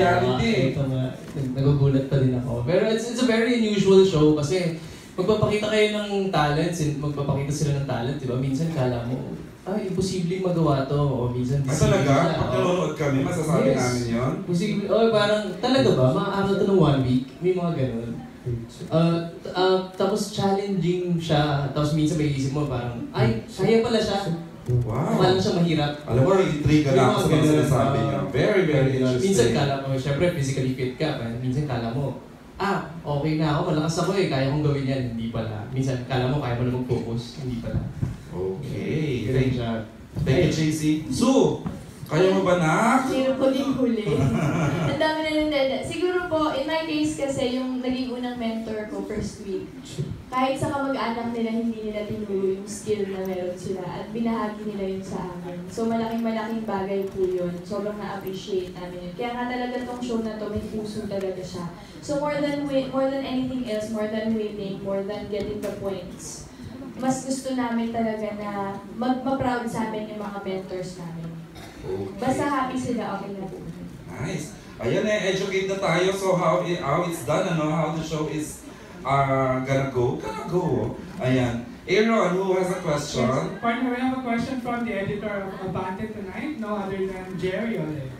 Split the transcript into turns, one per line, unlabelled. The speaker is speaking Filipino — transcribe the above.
reality.
Ito nga, nagugulat pa din ako. Pero it's a very unusual show kasi magpapakita kayo ng talents, magpapakita sila ng talent, di ba? Minsan kala mo, imposibleng magawa to. O minsan,
Talaga? Pag nanonood kami, masasabi namin yun?
Posible, parang, talaga ba? Maaaral to ng 1 week? May mga ganun. Tapos challenging siya, tapos minsan may isip mo parang, ay, kaya pala siya.
Wow!
Kaya siya mahirap.
Alam mo, intriga na ako sa mga sinasabi niya. Very, very interesting.
Minsan kala mo, syempre physically fit ka, minsan kala mo, okay na ako, malakas ako kaya kong gawin yan, hindi pala. Minsan kala mo, kaya mo na mag-focus, hindi pala.
Okay.
Thank
you, JC. Sue! Kaya mo ba na?
Zero po din huli. Ang dami na nang dada. Siguro po, in my case kasi, yung naging unang mentor ko first week, kahit sa kamag-anak nila, hindi nila tinuro yung skill na meron sila at binahagi nila yun sa amin. So malaking bagay po yun. Sobrang na-appreciate namin yun. Kaya nga talaga tong show na to, may puso talaga siya. So more than anything else, more than winning, more than getting the points, mas gusto namin talaga na ma-proud sa amin yung mga mentors namin.
Okay.
Basta happy sila, okay na po.
Nice. Ayan educate na tayo. So how it's done, how the show is gonna go. Ayan. Aaron, who has a question?
Yes. Partner, we have a question from the editor of Abante tonight, no other than Jerry Ole.